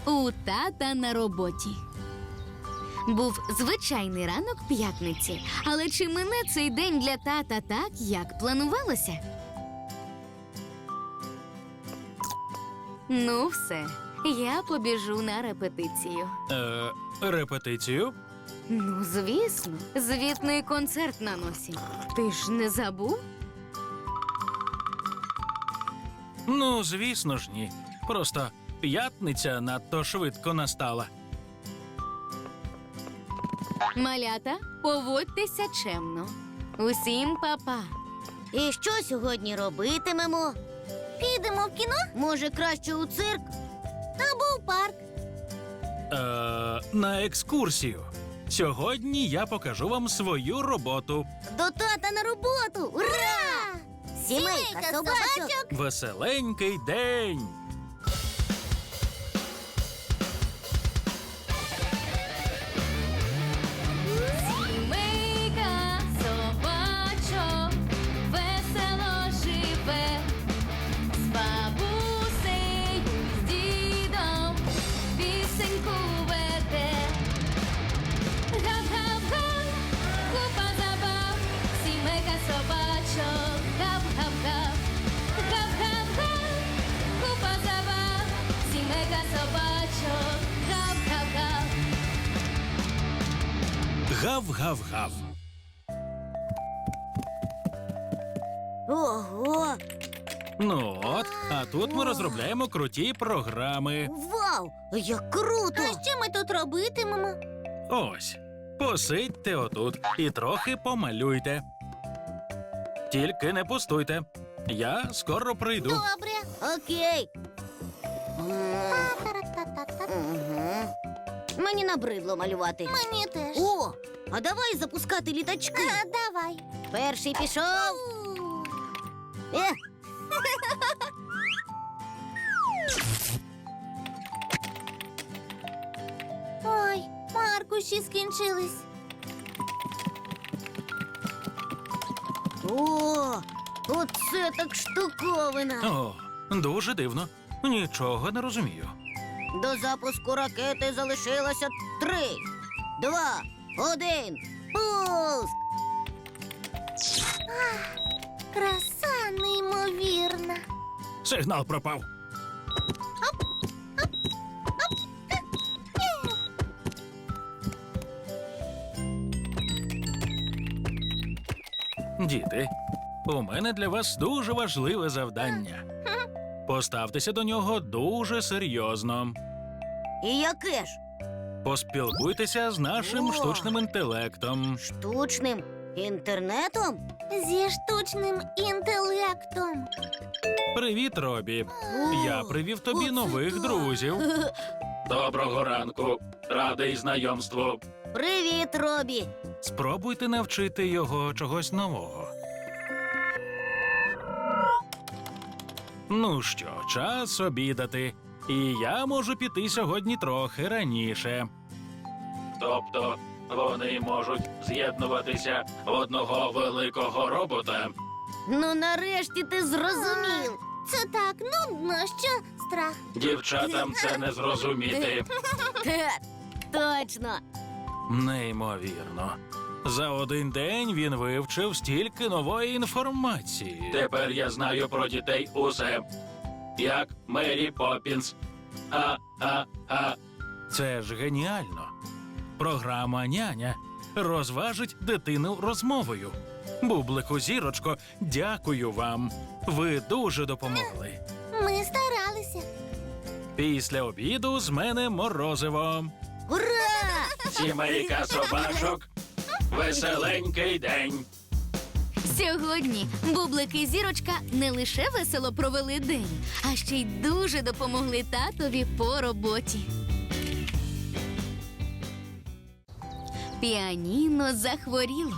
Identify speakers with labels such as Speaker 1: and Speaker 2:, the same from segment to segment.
Speaker 1: у тата на роботі. Був звичайний ранок п'ятниці, але чи мине цей день для тата так, як планувалося? Ну все, я побіжу на репетицію.
Speaker 2: Репетицію?
Speaker 1: Ну, звісно, звітний концерт на носі. Ти ж не забув?
Speaker 2: Ну, звісно ж, ні. Просто п'ятниця надто швидко настала.
Speaker 1: Малята, поводьтеся чемно. Усім па-па.
Speaker 3: І що сьогодні робитимемо? Підемо в кіно? Може, краще у цирк? Або в парк?
Speaker 2: На екскурсію. Сьогодні я покажу вам свою роботу.
Speaker 3: До тата на роботу! Ура! Сімейка собачок!
Speaker 2: Веселенький день!
Speaker 1: Сімейка собачок весело живе, з бабусею, з дідом пісеньку веде. Гап-гап-га, купа забав, сімейка собачок, гап-гап-га. Гап-гап-га, купа забав, сімейка собачок, гап-гап-га.
Speaker 2: Гав-гав-гав.
Speaker 3: Ого!
Speaker 2: Ну от, а тут ми розробляємо круті програми.
Speaker 3: Вау! Як круто! А що ми тут робитимемо?
Speaker 2: Ось, посидьте отут і трохи помалюйте. Тільки не пустуйте. Я скоро прийду.
Speaker 3: Добре. Окей. Мені набридло малювати. Мені теж. О, а давай запускати літачки. Давай. Перший пішов. Ой, маркуші скінчились. О, оце так штуковина.
Speaker 2: О, дуже дивно. Нічого не розумію.
Speaker 3: До запуску ракети залишилося 3, 2, 1. Пуск! Краса неймовірна.
Speaker 2: Сигнал пропав. Діти, у мене для вас дуже важливе завдання. Поставтеся до нього дуже серйозно.
Speaker 3: І яке ж?
Speaker 2: Поспілкуйтеся з нашим
Speaker 3: О!
Speaker 2: штучним інтелектом.
Speaker 3: Штучним інтернетом? Зі штучним інтелектом.
Speaker 2: Привіт, Робі.
Speaker 3: О,
Speaker 2: Я привів тобі
Speaker 3: оце
Speaker 2: нових
Speaker 3: так.
Speaker 2: друзів. Доброго ранку. Радий знайомству.
Speaker 3: Привіт, Робі.
Speaker 2: Спробуйте навчити його чогось нового. Ну що, час обідати. І я можу піти сьогодні трохи раніше. Тобто вони можуть з'єднуватися в одного великого робота?
Speaker 3: Ну, нарешті ти зрозумів. Це так нудно, що страх.
Speaker 2: Дівчатам це не зрозуміти.
Speaker 3: Точно.
Speaker 2: Неймовірно. За один день він вивчив стільки нової інформації. Тепер я знаю про дітей усе. Як Мері Поппінс. Це ж геніально. Програма «Няня» розважить дитину розмовою. Бублику, зірочко, дякую вам. Ви дуже допомогли.
Speaker 3: Ми старалися.
Speaker 2: Після обіду з мене морозиво.
Speaker 3: Ура!
Speaker 2: Сімейка собачок. Веселенький день.
Speaker 1: Сьогодні Бублик і Зірочка не лише весело провели день, а ще й дуже допомогли татові по роботі. Піаніно захворіло.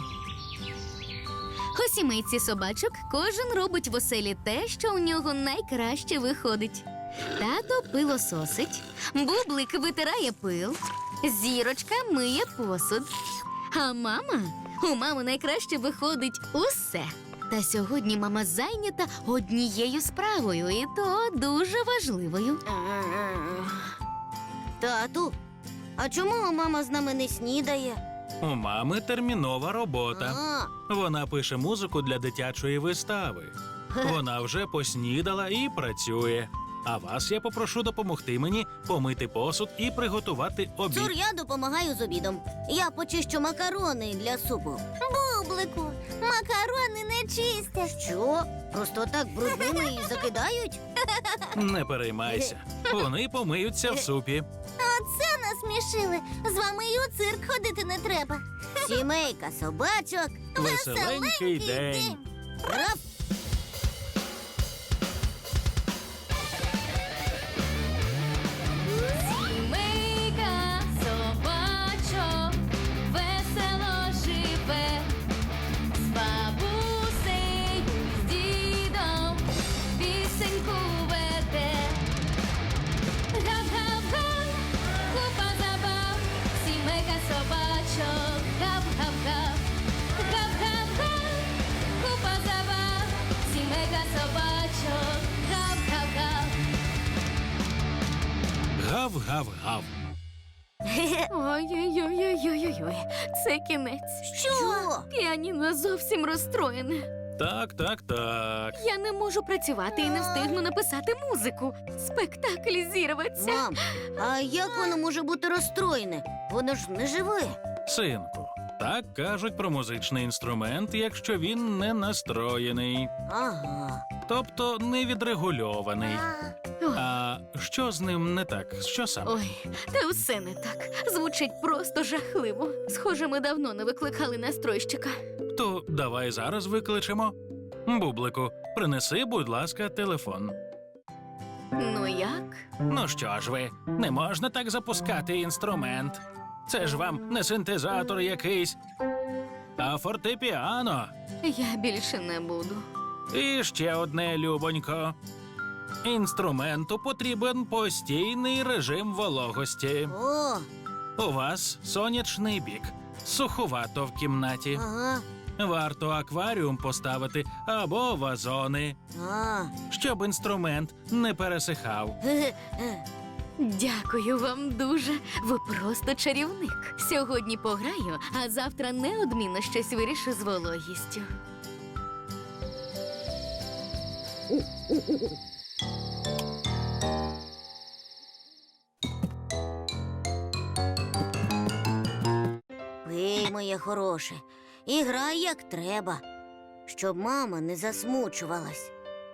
Speaker 1: У сімейці собачок кожен робить в оселі те, що у нього найкраще виходить. Тато пилососить, Бублик витирає пил, Зірочка миє посуд. А у мами найкраще виходить усе. Та сьогодні мама зайнята однією справою, і то дуже важливою.
Speaker 3: Тату, а чому мама з нами не снідає?
Speaker 2: У мами термінова робота.
Speaker 3: А,
Speaker 2: Вона пише музику для дитячої вистави. Вона вже поснідала і працює. А вас я попрошу допомогти мені помити посуд і приготувати обід.
Speaker 3: Цур, я допомагаю з обідом. Я почищу макарони для супу.
Speaker 4: Бублику, макарони не чистять.
Speaker 3: Що? Просто так брудними і закидають?
Speaker 2: Не переймайся. Вони помиються в супі.
Speaker 4: Оце насмішили. З вами і у цирк ходити не треба.
Speaker 3: Сімейка собачок.
Speaker 2: Веселенький день.
Speaker 3: Раф!
Speaker 1: Сімейка собачок весело живе, з бабусею, з дідом пісеньку веде. Гап-гап-га, купа забав, сімейка собачок, гап-гап-га. Гап-гап-га, купа забав, сімейка собачок, гап-гап-га.
Speaker 2: Гав-гав-гав.
Speaker 1: Ой-ой-ой-ой-ой-ой, це кінець.
Speaker 3: Що?
Speaker 1: Піаніно зовсім розстроєне.
Speaker 2: Так.
Speaker 1: Я не можу працювати і не встигну написати музику. Спектакль зірветься.
Speaker 3: Мам, а як воно може бути розстроєне? Воно ж не живе.
Speaker 2: Синку, так кажуть про музичний інструмент, якщо він не настроєний,
Speaker 3: Ага.
Speaker 2: тобто не відрегульований.
Speaker 1: Ой,
Speaker 2: А що з ним не так? Що саме?
Speaker 1: ой, та все не так. Звучить просто жахливо. Схоже, ми давно не викликали настройщика.
Speaker 2: То давай зараз викличемо. Бублику, принеси, будь ласка, телефон.
Speaker 1: Ну як?
Speaker 2: Ну що ж ви, не можна так запускати інструмент. Це ж вам не синтезатор якийсь, а фортепіано.
Speaker 1: Я більше не буду.
Speaker 2: І ще одне, любонько. Інструменту потрібен постійний режим вологості.
Speaker 3: О,
Speaker 2: У вас сонячний бік, суховато в кімнаті.
Speaker 3: ага.
Speaker 2: Варто акваріум поставити або вазони,
Speaker 3: А.
Speaker 2: щоб інструмент не пересихав.
Speaker 3: Ге-ге.
Speaker 1: Дякую вам дуже. Ви просто чарівник. Сьогодні пограю, а завтра неодмінно щось вирішу з вологістю.
Speaker 3: Пий, моє хороше, і грай як треба, щоб мама не засмучувалась.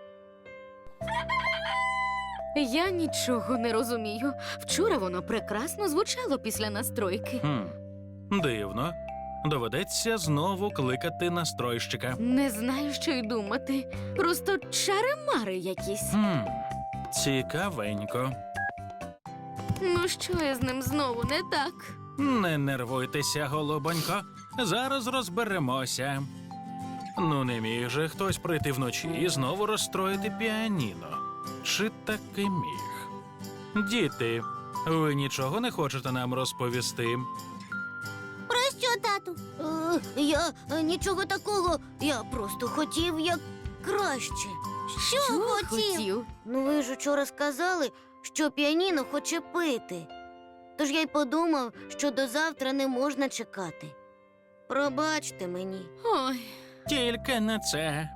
Speaker 1: Я нічого не розумію. Вчора воно прекрасно звучало після настройки.
Speaker 2: Дивно. Доведеться знову кликати настройщика.
Speaker 1: Не знаю, що й думати. Просто чари-мари якісь.
Speaker 2: Цікавенько.
Speaker 1: Ну що я з ним знову не так?
Speaker 2: Не нервуйтеся, голубонько. Зараз розберемося. Ну, не міг же хтось прийти вночі і знову розстроїти піаніно. Чи таки міг? Діти, ви нічого не хочете нам розповісти?
Speaker 4: Про що, тату?
Speaker 3: Я нічого такого, я просто хотів як краще.
Speaker 4: Що хотів?
Speaker 3: Ну ви ж учора сказали, що піаніно хоче пити. Тож я й подумав, що до завтра не можна чекати. Пробачте мені.
Speaker 1: Ой,
Speaker 2: Тільки не це.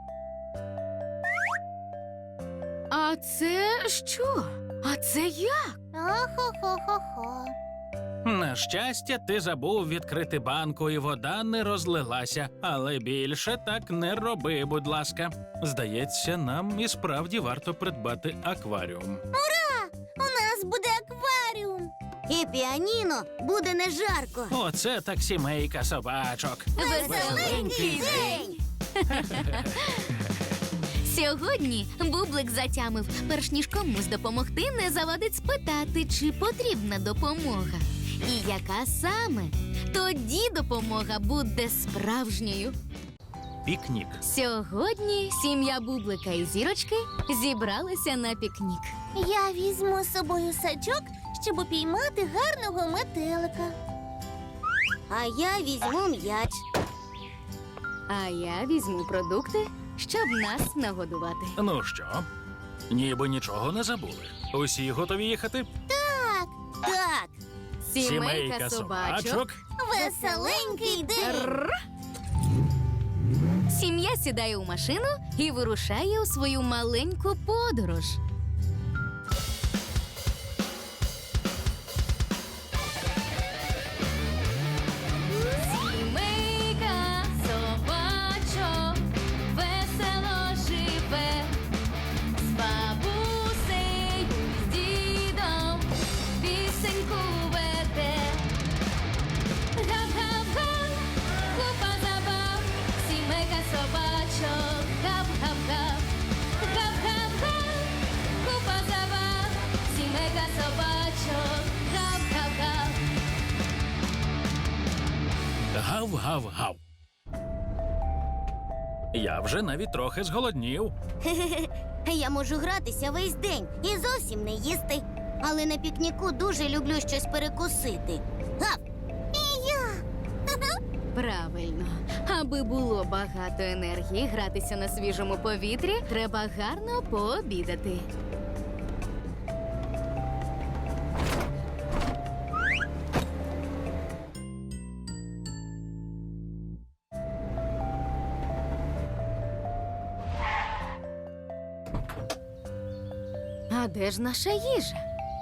Speaker 1: а це що? А це як?
Speaker 4: Охо-хо-хо-хо.
Speaker 2: На щастя, ти забув відкрити банку, і вода не розлилася. Але більше так не роби, будь ласка. Здається, нам і справді варто придбати акваріум.
Speaker 4: У нас буде акваріум.
Speaker 3: І піаніно буде не жарко.
Speaker 2: Оце так сімейка собачок.
Speaker 1: Веселенький день! Сьогодні Бублик затямив, перш ніж комусь допомогти, не завадить спитати, чи потрібна допомога. І яка саме? Тоді допомога буде справжньою.
Speaker 2: Пікнік.
Speaker 1: Сьогодні сім'я Бублика і Зірочки зібралися на пікнік.
Speaker 4: Я візьму з собою сачок, щоб упіймати гарного метелика.
Speaker 3: А я візьму м'яч.
Speaker 1: А я візьму продукти, щоб нас нагодувати.
Speaker 2: Ну що, ніби нічого не забули. Усі готові їхати?
Speaker 3: Так,
Speaker 1: Сімейка собачок.
Speaker 4: Веселенький день.
Speaker 1: Сім'я сідає у машину і вирушає у свою маленьку подорож. Сімейка собачок весело живе, з бабусею, з дідом пісеньку веде. Гав-гав-га, купа забав, сімейка собачок, гав-гав-гав. Гав-гав-га, купа забав, сімейка собачок, гав-гав-гав.
Speaker 2: Гав-гав-гав. Я вже навіть трохи зголоднів.
Speaker 3: Я можу гратися весь день і зовсім не їсти. Але на пікніку дуже люблю щось перекусити. Гав!
Speaker 1: Правильно. Аби було багато енергії гратися на свіжому повітрі, треба гарно пообідати. А де ж наша їжа?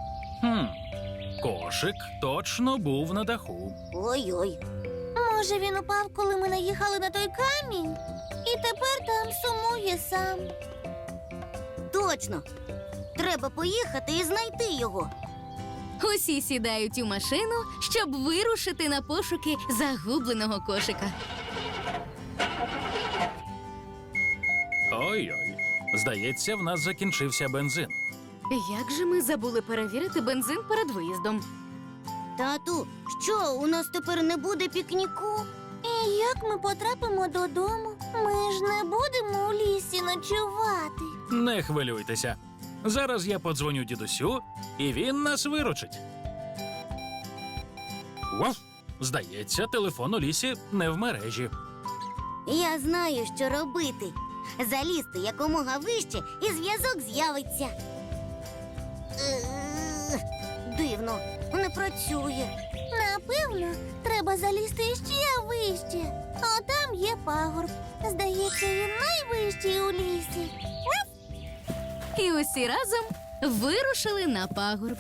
Speaker 2: Кошик точно був на даху.
Speaker 3: Ой-ой.
Speaker 4: Може, він упав, коли ми наїхали на той камінь? І тепер там сумує сам.
Speaker 3: Точно. Треба поїхати і знайти його.
Speaker 1: Усі сідають у машину, щоб вирушити на пошуки загубленого кошика.
Speaker 2: Ой-ой. Здається, в нас закінчився бензин.
Speaker 1: Як же ми забули перевірити бензин перед виїздом?
Speaker 3: Тату, що, у нас тепер не буде пікніку?
Speaker 4: І як ми потрапимо додому? Ми ж не будемо у лісі ночувати.
Speaker 2: Не хвилюйтеся. Зараз я подзвоню дідусю, і він нас виручить. Вов! Здається, телефон у лісі не в мережі.
Speaker 3: Я знаю, що робити. Залізти якомога вище, і зв'язок з'явиться. Дивно, не працює.
Speaker 4: Напевно, треба залізти ще вище. А там є пагорб. Здається, він найвищий у лісі.
Speaker 1: І усі разом вирушили на пагорб.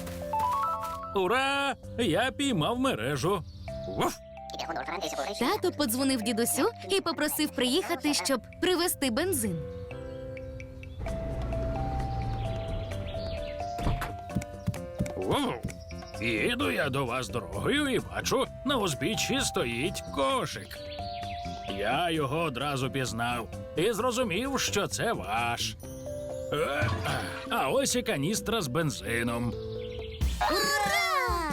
Speaker 2: Ура! Я піймав мережу. Вов!
Speaker 1: Тато подзвонив дідусю і попросив приїхати, щоб привезти бензин.
Speaker 2: Вов! Їду я до вас дорогою і бачу, на узбіччі стоїть кошик. Я його одразу пізнав і зрозумів, що це ваш. А ось і каністра з бензином.
Speaker 3: Ура!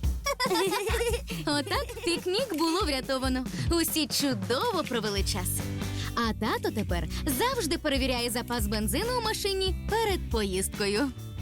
Speaker 1: Отак пікнік було врятовано. Усі чудово провели час. А тато тепер завжди перевіряє запас бензину у машині перед поїздкою.